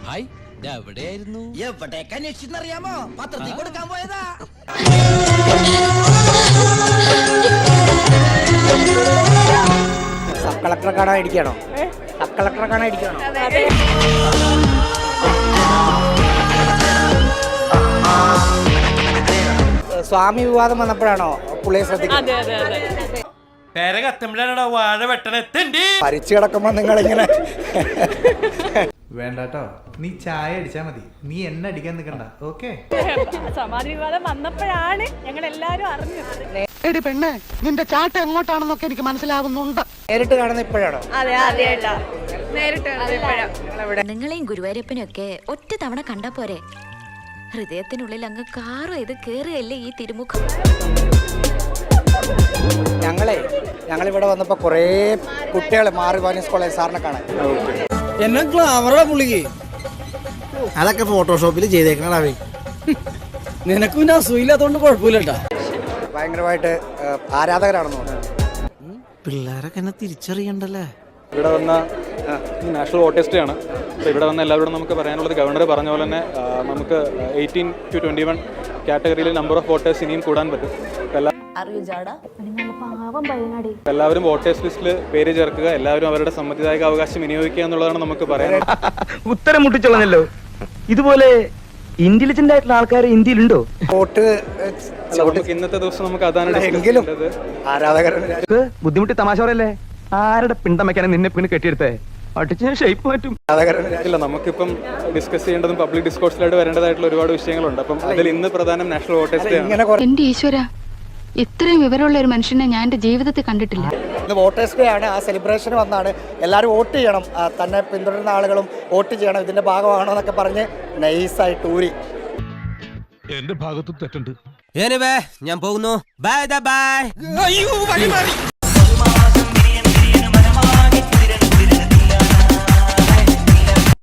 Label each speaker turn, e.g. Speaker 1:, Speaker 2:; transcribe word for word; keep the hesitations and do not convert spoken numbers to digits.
Speaker 1: Hi എവിടെയായിരുന്നു?
Speaker 2: എവിടേക്ക് അന്വേഷിച്ചെന്നറിയാമോ? പത്രത്തിൽ കൊടുക്കാൻ പോയതാ.
Speaker 3: സബ് കളക്ടറെ കാണാൻ ഇരിക്കണോ? സബ് കളക്ടറെ കാണാൻ ഇരിക്കണോ? സ്വാമി വിവാദം വന്നപ്പോഴാണോ പുള്ളിയെ ശ്രദ്ധിക്കുന്നത്?
Speaker 1: വാഴ വെട്ടണെത്തണ്ടി
Speaker 3: പരിച്ചു കിടക്കുമ്പോ നിങ്ങളിങ്ങനെ
Speaker 4: വേണ്ടട്ടോ, നീ ചായ അടിച്ചാ മതി, നീ എന്നെ അടിക്കാൻ നിൽക്കണ്ട. ഓക്കെ,
Speaker 5: സമാധി വിവാദം വന്നപ്പോഴാണ് ഞങ്ങൾ എല്ലാരും അറിഞ്ഞത്.
Speaker 6: എടി പെണ്ണെ, നിന്റെ ചാട്ട എങ്ങോട്ടാണെന്നൊക്കെ എനിക്ക് മനസ്സിലാവുന്നുണ്ട്.
Speaker 3: നേരിട്ട് കാണുന്ന ഇപ്പോഴാണോ?
Speaker 5: അതെ അതെട്ടാ, നേരിട്ട്.
Speaker 7: നിങ്ങളെയും ഗുരുവായൂരപ്പനും ഒക്കെ ഒറ്റ തവണ കണ്ടാ പോരെ, ഹൃദയത്തിനുള്ളിൽ അങ്ങ് കാറോ ഇത് കേറുകയല്ലേ ഈ തിരുമുഖം.
Speaker 3: ഞങ്ങളെ ഞങ്ങളിവിടെ വന്നപ്പോ കൊറേ കുട്ടികളെ മാറി വാനിസ് കോളേജ് സാറിനെ കാണാൻ.
Speaker 2: എന്നെ ക്ലാമറ പുള്ളിക്ക്
Speaker 6: അതൊക്കെ ഫോട്ടോഷോപ്പിൽ ചെയ്തേക്കണേ.
Speaker 2: നിനക്ക് പിന്നെ അസൂയില്ലാത്തോണ്ട് കുഴപ്പമില്ലട്ടാ.
Speaker 3: ഭയങ്കരമായിട്ട് ആരാധകരാണെന്ന് തോന്നുന്നു.
Speaker 6: പിള്ളേരൊക്കെ എന്നെ തിരിച്ചറിയണ്ടല്ലേ.
Speaker 8: ഇവിടെ വന്ന നാഷണൽ വോട്ടേഴ്സ് ഡേ ആണ്. അപ്പോൾ ഇവിടെ വന്ന എല്ലാവരോടും നമുക്ക് പറയാനുള്ളത് ഗവർണർ പറഞ്ഞ പോലെ തന്നെ നമുക്ക് എയ്റ്റീൻ ടു ട്വൻറ്റി വൺ കാറ്റഗറിയിൽ നമ്പർ ഓഫ് വോട്ടേഴ്സ് ഇനിയും കൂടാൻ പറ്റും. എല്ലാവരും വോട്ടേഴ്സ് ലിസ്റ്റിൽ പേര് ചേർക്കുക, എല്ലാവരും അവരുടെ സമ്മതിദായക അവകാശം വിനിയോഗിക്കുക എന്നുള്ളതാണ് നമുക്ക് പറയാൻ.
Speaker 9: ഉത്തരം മുട്ടിച്ചോളഞ്ഞല്ലോ. ഇതുപോലെ ഇന്റലിജന്റ് ആയിട്ടുള്ള ആൾക്കാർ ഇന്ത്യയിലുണ്ടോ?
Speaker 3: വോട്ട്
Speaker 8: നമുക്ക് ഇന്നത്തെ ദിവസം നമുക്ക് അതാണ്
Speaker 3: എങ്കിലും ആരാധകർ
Speaker 9: ബുദ്ധിമുട്ടി തമാശ പറയല്ലേ. ആരുടെ പിണ്ടമയ്ക്കാണ് നിന്നെ പിന്നെ കെട്ടിയെടുത്തേ? അടിച്ച് ഷേപ്പ് മാറ്റും.
Speaker 8: ഇല്ല, നമുക്കിപ്പം ഡിസ്കസ് ചെയ്യേണ്ടതും പബ്ലിക് ഡിസ്കോഴ്സിലായിട്ട് വരേണ്ടതായിട്ടുള്ള ഒരുപാട് വിഷയങ്ങളുണ്ട്. അപ്പം അതിൽ ഇന്ന് പ്രധാനം നാഷണൽ വോട്ടേഴ്സ് ഡേ ആണ്.
Speaker 10: എന്റെ ഈശ്വര, ഇത്രയും വിവരമുള്ള ഒരു മനുഷ്യനെ ഞാൻ എന്റെ ജീവിതത്തിൽ കണ്ടിട്ടില്ല.
Speaker 3: ഇന്ന് വോട്ടേഴ്സ് ഡേ ആണ്. ആ സെലിബ്രേഷൻ വന്നാണ് എല്ലാവരും വോട്ട് ചെയ്യണം, തന്നെ പിന്തുടരുന്ന ആളുകളും വോട്ട് ചെയ്യണം, ഇതിന്റെ ഭാഗമാണോ എന്നൊക്കെ പറഞ്ഞ് നൈസായിട്ട് ഊരി.
Speaker 1: എന്റെ ഭാഗത്തും തെറ്റുണ്ട്.
Speaker 2: ഞാൻ പോകുന്നു. Bye by.